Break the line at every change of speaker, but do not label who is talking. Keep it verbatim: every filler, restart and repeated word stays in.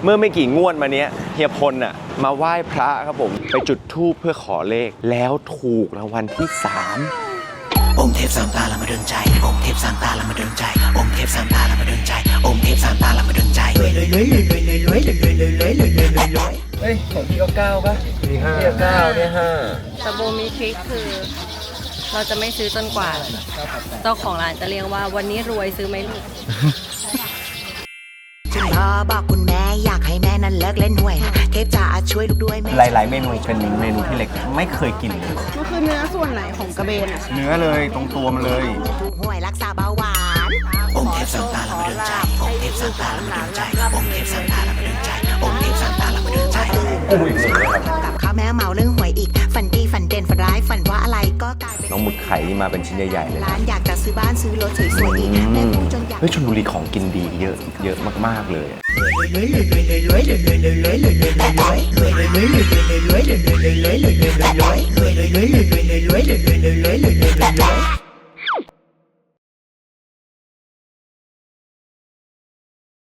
เมื่อไม่กี่งวดมาเนี้ยเฮียพลน่ะมาไหว้พระครับผมไปจุดธูปเพื่อขอเลขแล้วถูกรางวัลที่สาม
องค์เทพสามตาละมาดลใจองค์เทพสามตาละมาดลใจองค์เทพสามตาละมาดลใจองค์เทพสามตาละมาดลใจรวยรวยรวยรวยรวยรวยรวยรวยรวยรวยรวยรวยรวยรวย
เฮ้ยของพี่ก็เก้าป่ะมีห้าพี่ก็เก้าเนี่ยห้า
แต่โบมีทริคคือ เราจะไม่ซื้อจนกว่าเจ้าของร้านจะเรียกว่าวันนี้รวยซื้อไหมลูก
คุณพ่อบอกคุณแม่อยากให้แม่นั้นเลิกเล่นหวยเทพจ๋าช่วยลูกด้วยแม่
หลายๆเมนูเป็นเมนูที่เล็กไม่เคยกินเลย
มันคือเนื้อส่วนไหนของกระเบนอะ
เนื้อเลยตรงตัวมันเลย
ถูกหวยรักษาเบาหวานองค์เทพสามตาละมาดลใจองค์เทพสามตาละมาดลใจองค์เทพสามตาละมาดลใจองค์เทพสามตาละมาดลใจ
กุ้งอีกสุดเลยครับ
กับข้าวแม่เมาเรื่องหวยอีกฝันดีฝันเด่นฝันร้ายฝันว่าอะไรก็กลายเป็น
น้องหมึกไข่นี่มาเป็นชิ้นใหญ่ๆเลย
ร้านอยากจะซื้อบ้านซื้อรถสวยๆอีกแม่พูดจนอยาก
เฮ้ยชลบุรีของกินดีเยอะเยอะมากๆเลย
ร